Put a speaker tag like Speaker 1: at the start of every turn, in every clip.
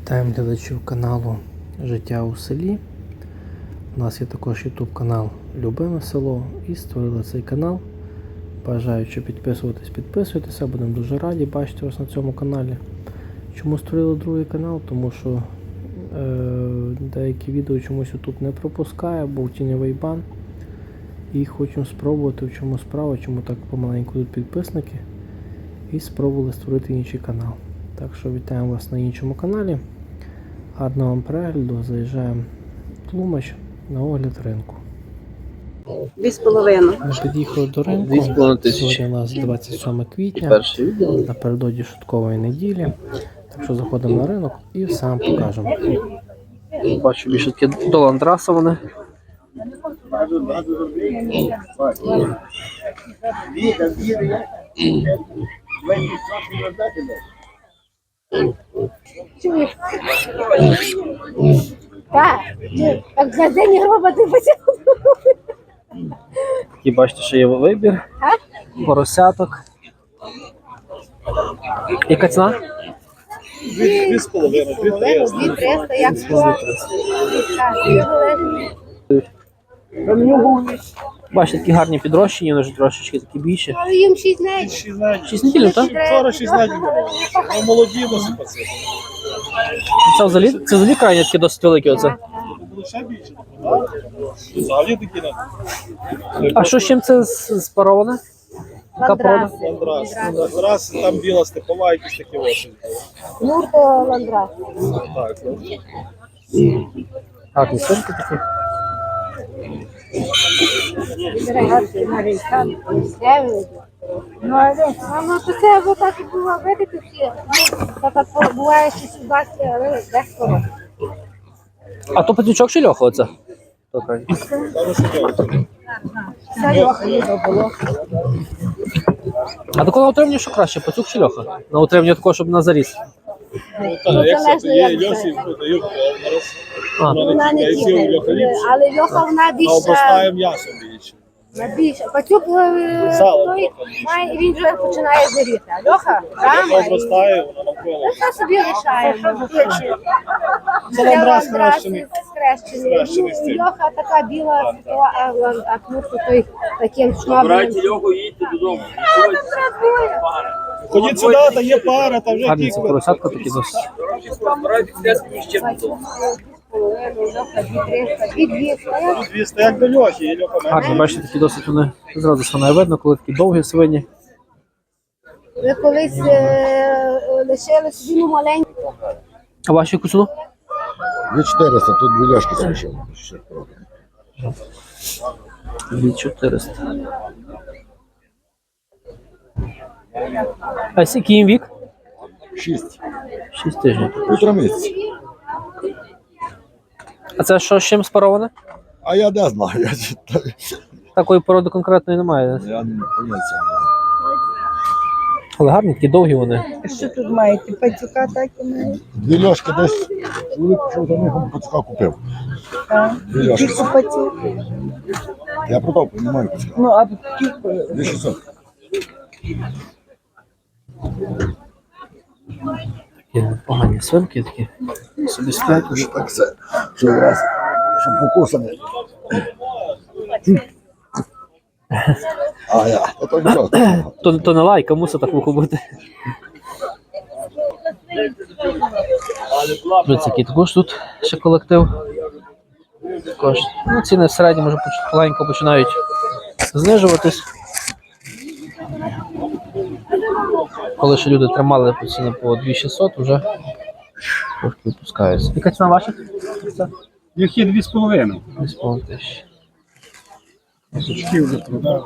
Speaker 1: Вітаємо глядачів каналу Життя у селі. У нас є також YouTube канал Любиме село і створили цей канал. Бажаючи підписуйтеся, будемо дуже раді бачити вас на цьому каналі. Чому створили другий канал? Тому що деякі відео чомусь YouTube не пропускає, був тіньовий бан. І хочемо спробувати, в чому справа, чому так помаленьку тут підписники. І спробували створити інший канал. Так що вітаємо вас на іншому каналі. Гарного вам перегляду. Заїжджаємо в Тлумач на огляд ринку.
Speaker 2: 2,5.
Speaker 1: Ми під'їхали до ринку.
Speaker 3: 2,5
Speaker 1: Сьогодні у нас 27 квітня. Напередодні шуткової неділі. Так що заходимо на ринок і все вам покажемо.
Speaker 3: Бачу більше таке до ландраса вони.
Speaker 2: Так, як за день роботи потягнув.
Speaker 3: Такі бачите, що є вибір. Поросяток. Яка ціна?
Speaker 2: 2,5, 2,300, як що.
Speaker 3: Бачите, такі гарні підрощені, вони вже трошечки такі більші.
Speaker 2: Але їм 6 днів.
Speaker 3: 6 неділь, так?
Speaker 4: Вчора 6 днів було. Ну, молоді насипаться.
Speaker 3: Це взагалі крайні такі досить великі оце.
Speaker 4: Було ще більше. Взагалі такі на
Speaker 3: А що з чим це спароване? Яка порода?
Speaker 2: Ландрас.
Speaker 4: Ландрас, там біла степова, якісь такі осінь.
Speaker 2: Ну, то ландрас.
Speaker 4: Так, ну.
Speaker 3: Гарні свинки такі.
Speaker 2: Ну, але то це вже так і було, видите, всі. Так буває, що сюди, але дехто.
Speaker 3: А то патючок чи льоха оце?
Speaker 2: Це льоха було.
Speaker 3: А такого на утриманні що краще, пацюк чи льоха? На утриманні такого, щоб на заріс.
Speaker 4: Ну, так, як це є, Йосі дають
Speaker 2: Вона не їде, але льоха вона
Speaker 4: а
Speaker 2: більше.
Speaker 4: обростає м'ясом більше.
Speaker 2: Більше. Пацюк, той має, він вже починає зиріти. А льоха, рама, і
Speaker 4: Обростає, вона навколо.
Speaker 2: це собі лишаємо.
Speaker 4: Це ландрас хрещений.
Speaker 2: Скрещений. Ну, льоха така біла, а кнурку той таким шмабним.
Speaker 5: Льоху, їдьте додому.
Speaker 4: Ходіть сюди, та є пара, та вже
Speaker 3: Гарні ці поросятка такі досить.
Speaker 5: Збирайте князькою ще додому.
Speaker 4: 200, як до льохи, є льоха менше.
Speaker 3: Гарні, бачите, такі досить вони зразу ж вона видно, коли такі довгі свині.
Speaker 2: Ви колись лишили собі маленьку.
Speaker 3: А ваші яку ціну?
Speaker 6: 2400, тут дві ляшки залишили.
Speaker 3: 2400. А скільки їм вік?
Speaker 6: 6.
Speaker 3: 6 тижнів.
Speaker 6: Півтора місяця.
Speaker 3: А це що з чим спароване?
Speaker 6: А я не знаю, я читаю.
Speaker 3: Такої породи конкретної немає.
Speaker 6: Я не поняття не маю.
Speaker 3: Але гарні, такі довгі вони.
Speaker 7: Що тут маєте? Пацюка так і маєте?
Speaker 6: Дві ляшки десь, чоловік пішов за них, пацюка купив. Дві ляшки.
Speaker 7: Скільки пацюк?
Speaker 6: Я продав, не маю пацюка.
Speaker 7: Ну, а скільки?
Speaker 6: 2600.
Speaker 3: Такі погані свинки такі. Собі сплять.
Speaker 6: Що так все, що раз, що покусаний. А я, то нічого.
Speaker 3: То не лайка, мусить так вухо бути. Дивіться, який також тут ще колектив. Також. Ну, ціни в середньому вже маленько починають знижуватись. Коли ще люди тримали по ціни по 2600, вже трошки випускаються. Яка ціна ваша?
Speaker 4: Їх є 2,5.
Speaker 3: 2,5 тисячі.
Speaker 4: Сучки вже продав.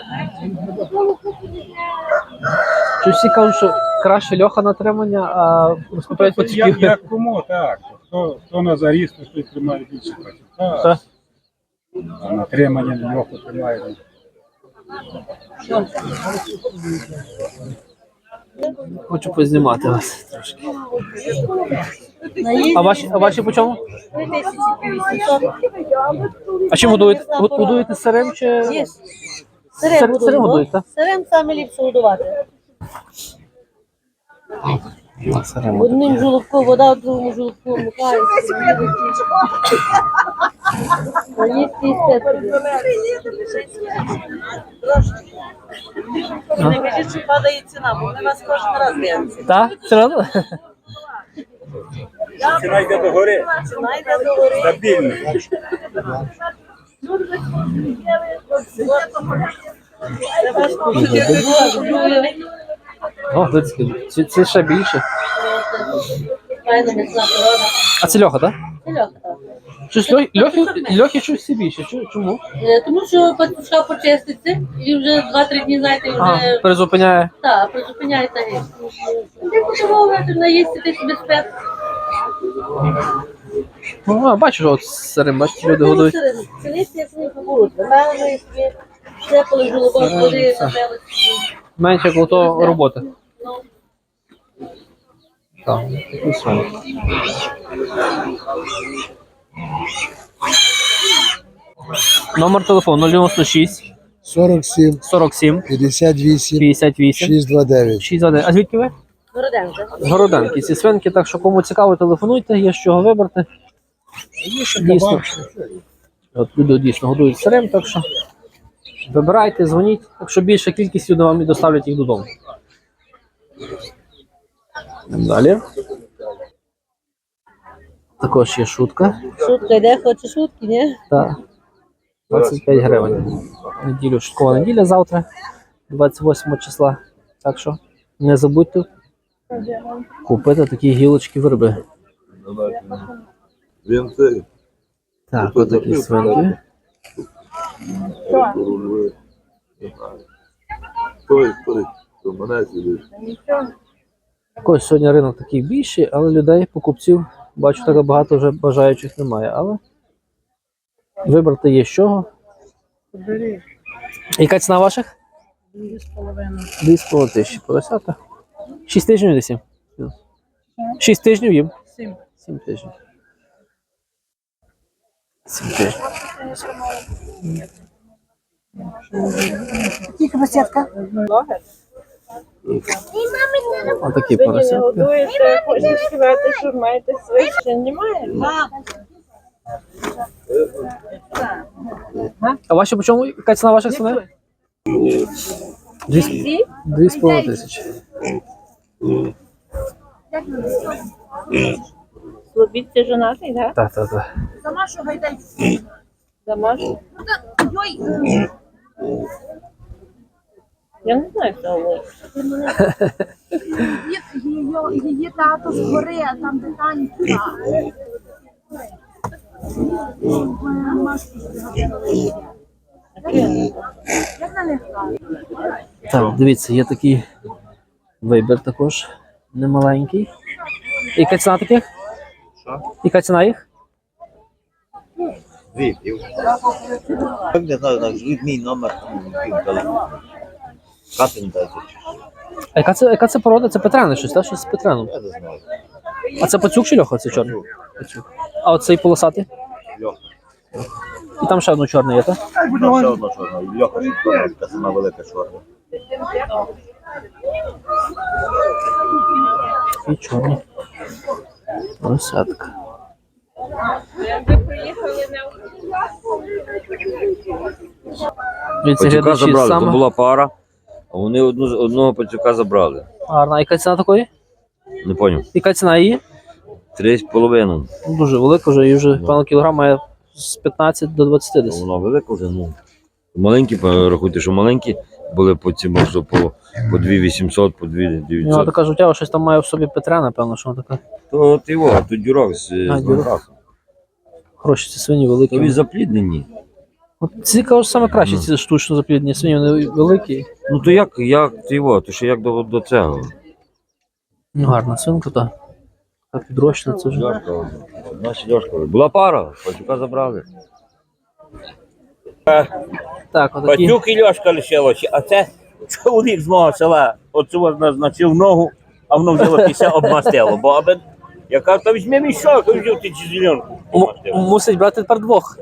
Speaker 3: Чи всі кажуть, що краще льоха на тримання, а розкупляють пацюків?
Speaker 4: Як кому, так. Хто на заріз, то той тримає більше пацюка.
Speaker 3: Так.
Speaker 4: А на тримання льоху тримає.
Speaker 3: Хочу познімати вас трошки. А ваші по чому?
Speaker 7: 2500.
Speaker 3: А чим годуєте? Годуєте сирим чи?
Speaker 7: Ні.
Speaker 3: Сирим годуєте, так?
Speaker 7: Сирим саме ліпше годувати.
Speaker 1: Насеремо.
Speaker 8: Одним жолобком вода, в другому жолобку вмикається. Поїсти і спити.
Speaker 7: Не кажіть, що падає ціна, бо вони вас кожен раз дивляться.
Speaker 3: Так? Все одно?
Speaker 4: Ціна йде до гори.
Speaker 7: Ціна йде до гори.
Speaker 4: Стабільно.
Speaker 7: Це ваш покупець.
Speaker 3: О, дивіться, це ще більше.
Speaker 8: Файна міцна порода.
Speaker 3: А це Льоха, так?
Speaker 8: Це льоха, так.
Speaker 3: Щось Льохи щось всі більше. Чому?
Speaker 8: Тому що пацюшка почиститься і вже 2-3 дні, знаєте,
Speaker 3: А,
Speaker 8: вже
Speaker 3: перезупиняє.
Speaker 8: так, призупиняється геть. Ти подивовувати, наїсти, ти собі спец.
Speaker 3: Ну, а, бачу, от сирим, бачите, люди годують.
Speaker 8: Це листя, як вони побудуть. Мелили собі, все коли жолобок води, напели.
Speaker 3: Менше коло того роботи.
Speaker 8: Ну,
Speaker 3: Так, такі свині. Номер телефону 096
Speaker 6: 47,
Speaker 3: 47
Speaker 6: 58,
Speaker 3: 58
Speaker 6: 629.
Speaker 3: 61. А звідки ви?
Speaker 8: Городенка.
Speaker 3: З Городенки. Ці свинки, так що кому цікаво, телефонуйте, є з чого вибрати. Дійсно. От люди дійсно годують сирим, так що вибирайте, дзвоніть. Якщо більша кількість, люди вам і доставлять їх додому. Далі. Також є шутка.
Speaker 8: Шутка йде, хоче шутки, ні?
Speaker 3: Так. 25 гривень. Неділю, шуткова неділя завтра, 28 числа. Так що не забудьте купити такі гілочки верби. Так, отакі свинки. Також сьогодні ринок такий більший, але людей, покупців, бачу, так багато вже бажаючих немає. Але вибрати є з чого. Яка ціна ваших? 2,5 тисячі. Поросята. 6 тижнів десь? 6 тижнів їм? 7 тижнів. 7 тижнів.
Speaker 2: Тільки посідка.
Speaker 3: Отакі поросятки.
Speaker 7: Годуєте, хочете сказати, що маєте свище, немає?
Speaker 3: А ваші по чому? Яка ціна ваших свиней? 2,5 тисячі.
Speaker 7: Слобідці жонатий, так?
Speaker 3: Так, так, так.
Speaker 7: Домашній? Я не знаю, хто ви.
Speaker 2: Її тато з гори, а там де танці.
Speaker 3: Так, дивіться, є такий вибір також немаленький. Яка ціна таких? Що? Яка ціна їх?
Speaker 9: Не знаю, назвіть мій номер телефону. Катин дайте.
Speaker 3: А яка це порода? Це Петряне щось, так? Щось з Петреном.
Speaker 9: Я не знаю.
Speaker 3: А це пацюк чи Льоха? Це чорний? Пацюк. А оцей полосатий?
Speaker 9: Льоха.
Speaker 3: І там ще одно чорне є, так?
Speaker 9: Там ще одна чорна. Льоха, така сама велика чорна.
Speaker 3: І чорний. Поросятка. Дивіться,
Speaker 10: Пацюка
Speaker 3: глядачі,
Speaker 10: забрали, то
Speaker 3: саме
Speaker 10: була пара, а вони одного пацюка забрали.
Speaker 3: гарна. А яка ціна такої?
Speaker 10: Не поняв.
Speaker 3: Яка ціна її?
Speaker 10: 3,5.
Speaker 3: Ну, дуже велика вже, і вже певно кілограм має з 15 до 20 десь.
Speaker 10: Вона велика вже, ну. Маленькі, рахуйте, що маленькі були по ці, може, по 2,800, по
Speaker 3: Ну,
Speaker 10: 2,900.
Speaker 3: така життя, щось там має в собі Петря, напевно, що вона така.
Speaker 10: То от його, а тут дюрок з
Speaker 3: дюрок.
Speaker 10: Донбасу.
Speaker 3: Хороші ці свині
Speaker 10: То
Speaker 3: великі.
Speaker 10: він запліднені.
Speaker 3: От ці кажуть, саме краще ці штучно запліднені свині, вони великі.
Speaker 10: Ну то як ти його, то ще як до цього?
Speaker 3: Ну, гарна свинка, так. Так підрощена, це вже.
Speaker 10: Льошка, наші Льошка. Була пара, пацюка забрали.
Speaker 3: Так, отакі.
Speaker 5: Пацюк і Льошка лишилося, а це чоловік з мого села. Оцю назначив ногу, а воно взяло і все обмастило. Бо аби, я кажу, то візьми мішок, і взяв ти цю зеленку.
Speaker 3: Мусить брати тепер двох.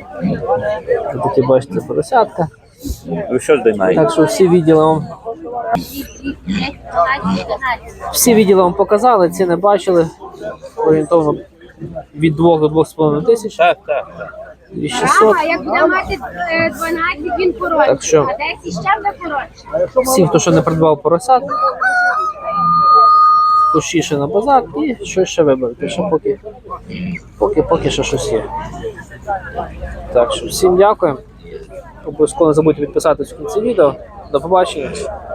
Speaker 3: Такі, бачите, поросятка.
Speaker 5: Ви що здіймаєте?
Speaker 3: Так що всі відділи вам Всі відділи вам показали, ціни бачили. Орієнтовно від 2 до 2,5 тисяч.
Speaker 5: Так, так.
Speaker 3: 2600.
Speaker 2: А як буде мати 12, він коротший,
Speaker 3: Так що-
Speaker 2: а 10 ще буде коротший.
Speaker 3: Всім, хто ще не придбав поросят, пошіше на базар і щось ще виберете. Ще поки ще щось є. Так що всім дякуємо. Обов'язково не забудьте підписатись в кінці відео. До побачення.